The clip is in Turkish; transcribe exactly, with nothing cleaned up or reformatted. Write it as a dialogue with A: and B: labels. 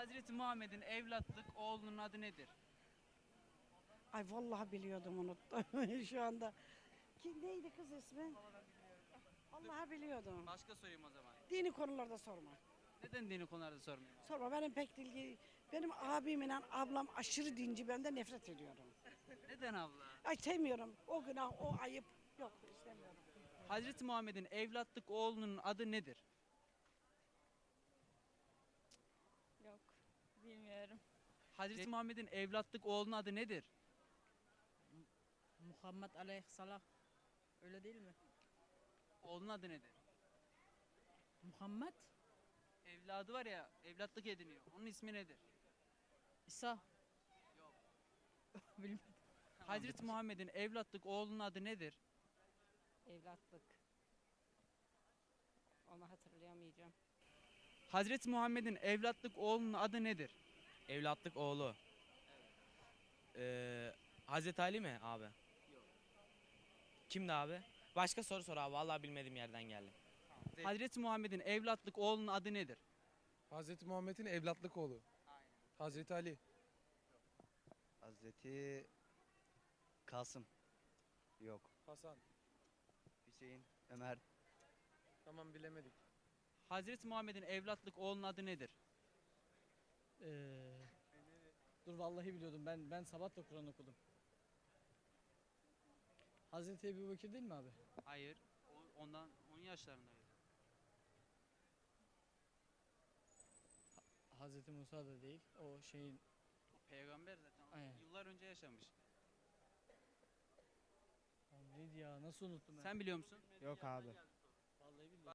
A: Hazreti Muhammed'in evlatlık oğlunun adı nedir?
B: Ay vallahi biliyordum, unuttum şu anda. Ki neydi kız ismi? Vallahi biliyordum.
A: Başka sorayım o zaman.
B: Dini konularda sorma.
A: Neden dini konularda sormayayım?
B: Sorma, benim pek ilgi. Benim abimle ablam aşırı dinci, ben de nefret ediyorum.
A: Neden abla?
B: Ay sevmiyorum. O günah, o ayıp. Yok, istemiyorum.
A: Hazreti Muhammed'in evlatlık oğlunun adı nedir?
C: Yok, bilmiyorum.
A: Hazreti Muhammed'in evlatlık oğlunun adı nedir?
D: Muhammed Aleyhisselam. Öyle değil mi?
A: Oğlunun adı nedir?
D: Muhammed
A: Evladı var ya, evlatlık ediniyor. Onun ismi nedir?
D: İsa.
A: Yok.
D: Bilmedim.
A: Hazreti Muhammed'in evlatlık oğlunun adı nedir?
C: Evlatlık. Onu hatırlayamayacağım.
A: Hazreti Muhammed'in evlatlık oğlunun adı nedir?
E: Evlatlık oğlu. Ee, Hazreti Ali mi abi?
A: Yok.
E: Kimdi abi? Başka soru sor abi. Vallahi bilmediğim yerden geldim.
A: Hazreti Muhammed'in evlatlık oğlunun adı nedir?
F: Hazreti Muhammed'in evlatlık oğlu.
A: Aynen.
F: Hazreti Ali.
G: Hazreti Kasım. Yok.
F: Hasan.
G: Hüseyin, Ömer.
F: Tamam, bilemedik.
A: Hazreti Muhammed'in evlatlık oğlunun adı nedir?
D: Ee, dur vallahi biliyordum. Ben ben sabah da Kur'an okudum. Hazreti Ebu Bekir değil mi abi?
A: Hayır. O ondan on yaşlarındaydı.
D: Hazreti Musa da değil. O şeyin
A: O peygamber zaten. O
D: Aynen.
A: yıllar önce yaşamış.
D: o neydi ya? Nasıl unuttum ben?
A: Sen biliyor musun?
H: Yok abi.